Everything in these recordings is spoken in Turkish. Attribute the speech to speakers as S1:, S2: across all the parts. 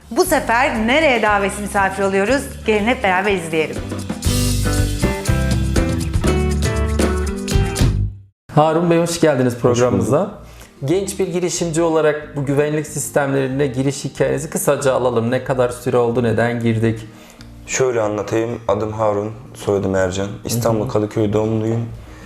S1: Bu sefer nereye davetsiz misafir oluyoruz? Gelin hep beraber izleyelim.
S2: Harun Bey hoş geldiniz programımıza. Genç bir girişimci olarak bu güvenlik sistemlerine giriş hikayenizi kısaca alalım. Ne kadar süre oldu, neden girdik?
S3: Şöyle anlatayım. Adım Harun, soyadım Ercan. İstanbul Kadıköy doğumluyum.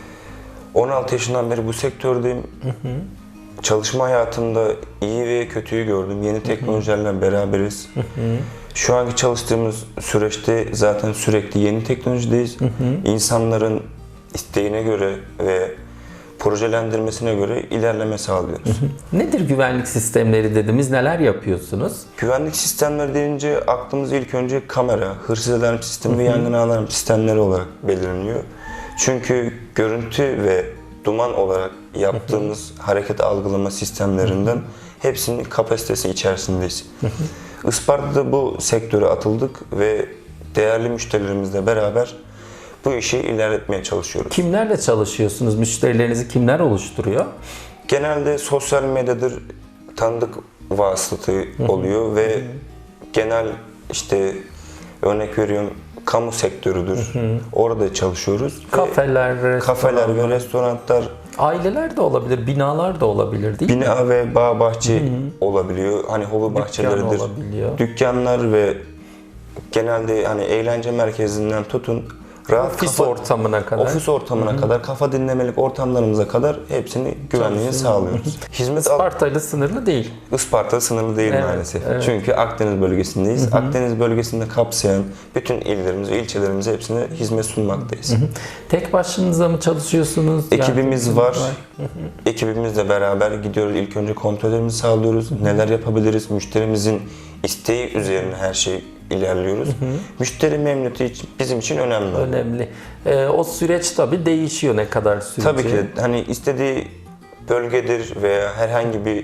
S3: 16 yaşından beri bu sektördeyim. Çalışma hayatımda iyi ve kötüyü gördüm. Yeni teknolojilerle beraberiz. Şu anki çalıştığımız süreçte zaten sürekli yeni teknolojideyiz. İnsanların isteğine göre ve projelendirmesine göre ilerleme sağlıyoruz.
S2: Nedir güvenlik sistemleri dediğimiz, neler yapıyorsunuz?
S3: Güvenlik sistemleri deyince aklımız ilk önce kamera, hırsız alarm sistemi ve yangın alarm sistemleri olarak belirleniyor. Çünkü görüntü ve duman olarak yaptığımız hareket algılama sistemlerinden hepsinin kapasitesi içerisindeyiz. Isparta'da bu sektöre atıldık ve değerli müşterilerimizle beraber bu işi ilerletmeye çalışıyoruz.
S2: Kimlerle çalışıyorsunuz? Müşterilerinizi kimler oluşturuyor?
S3: Genelde sosyal medyadır tanıdık vasıtası oluyor ve genel işte örnek veriyorum kamu sektörüdür. Orada çalışıyoruz. Kafeler ve restoranlar.
S2: Aileler de olabilir, binalar da olabilir değil mi?
S3: Bina ve bağ bahçe olabiliyor. Hani hobi bahçeleridir.
S2: olabiliyor.
S3: Dükkanlar ve genelde hani eğlence merkezinden tutun
S2: Ofis ortamına kadar.
S3: Ofis ortamına kadar, kafa dinlemelik ortamlarımıza kadar hepsini güvenliğini sağlıyoruz.
S2: Isparta'yla sınırlı değil.
S3: Isparta sınırlı değil maalesef.
S2: Evet.
S3: Çünkü Akdeniz bölgesindeyiz. Akdeniz bölgesinde kapsayan bütün illerimizi, ilçelerimize hepsine hizmet sunmaktayız.
S2: Tek başınıza mı çalışıyorsunuz?
S3: Ekibimiz var. Ekibimizle beraber gidiyoruz. İlk önce kontrollerimizi sağlıyoruz. Neler yapabiliriz? Müşterimizin isteği üzerine her şey ilerliyoruz. Müşteri memnuniyeti bizim için önemli.
S2: Önemli. O süreç tabii değişiyor ne kadar sürece.
S3: Tabii ki hani istediği bölgedir veya herhangi bir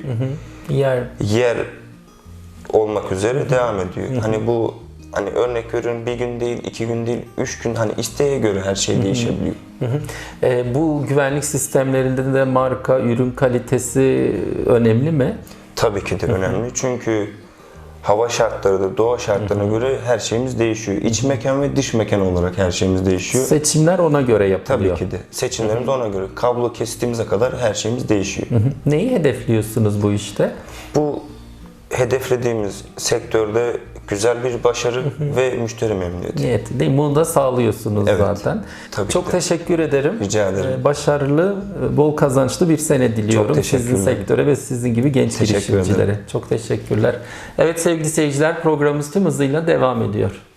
S3: yer olmak üzere devam ediyor. Hani bu hani örnek veriyorum bir gün değil, 2 gün değil, 3 gün hani isteğe göre her şey değişebiliyor.
S2: Bu güvenlik sistemlerinde de marka, ürün kalitesi önemli mi?
S3: Tabii ki de önemli. Çünkü hava şartları da doğa şartlarına göre her şeyimiz değişiyor. İç mekan ve dış mekan olarak her şeyimiz değişiyor.
S2: Seçimler ona göre yapılıyor.
S3: Tabii ki de. Seçimlerimiz ona göre. Kablo kestiğimize kadar her şeyimiz değişiyor.
S2: Neyi hedefliyorsunuz bu işte?
S3: Bu hedeflediğimiz sektörde güzel bir başarı ve müşteri memnuniyeti.
S2: Niyeti değil mi? Bunu da sağlıyorsunuz
S3: Evet,
S2: zaten.
S3: tabii
S2: Çok
S3: ki de.
S2: teşekkür ederim.
S3: Rica ederim.
S2: Başarılı, bol kazançlı bir sene diliyorum
S3: Çok
S2: sizin
S3: teşekkürler.
S2: sektöre ve sizin gibi genç
S3: Teşekkür
S2: girişimcilere.
S3: ederim.
S2: Çok teşekkürler. Evet sevgili seyirciler, programımız tüm hızıyla devam ediyor.